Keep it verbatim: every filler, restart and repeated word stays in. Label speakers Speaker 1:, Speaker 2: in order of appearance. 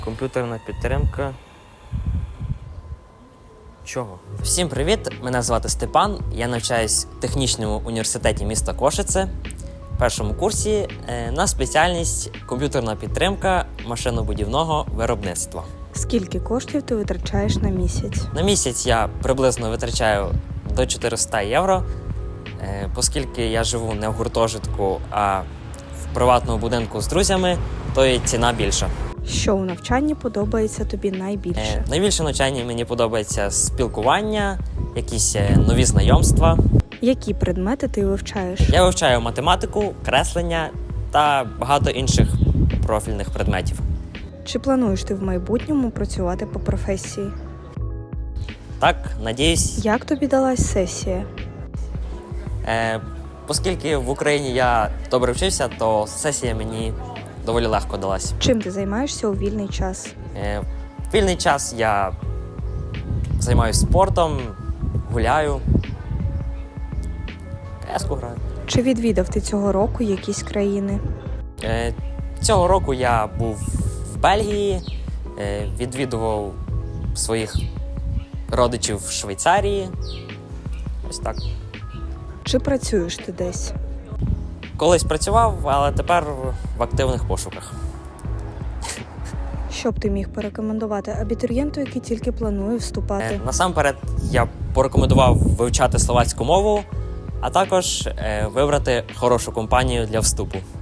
Speaker 1: Комп'ютерна підтримка. Чого?
Speaker 2: Всім привіт! Мене звати Степан. Я навчаюсь в технічному університеті міста Кошице в першому курсі е, на спеціальність комп'ютерна підтримка машинобудівного виробництва.
Speaker 3: Скільки коштів ти витрачаєш на місяць?
Speaker 2: На місяць я приблизно витрачаю до чотириста євро, е, оскільки я живу не в гуртожитку, а в приватному будинку з друзями, то і ціна більша.
Speaker 3: Що у навчанні подобається тобі найбільше?
Speaker 2: Е, найбільше навчання мені подобається спілкування, якісь е, нові знайомства.
Speaker 3: Які предмети ти вивчаєш?
Speaker 2: Я вивчаю математику, креслення та багато інших профільних предметів.
Speaker 3: Чи плануєш ти в майбутньому працювати по професії?
Speaker 2: Так, надіюсь.
Speaker 3: Як тобі далась сесія?
Speaker 2: Е, оскільки в Україні я добре вчився, то сесія мені доволі легко далась.
Speaker 3: Чим ти займаєшся у вільний час?
Speaker 2: Е, в вільний час я займаюся спортом, гуляю, кеску граю.
Speaker 3: Чи відвідав ти цього року якісь країни?
Speaker 2: Е, цього року я був в Бельгії, е, відвідував своїх родичів в Швейцарії. Ось так.
Speaker 3: Чи працюєш ти десь?
Speaker 2: Колись працював, але тепер в активних пошуках.
Speaker 3: Що б ти міг порекомендувати абітурієнту, який тільки планує вступати?
Speaker 2: Е, насамперед, я порекомендував вивчати словацьку мову, а також е, вибрати хорошу компанію для вступу.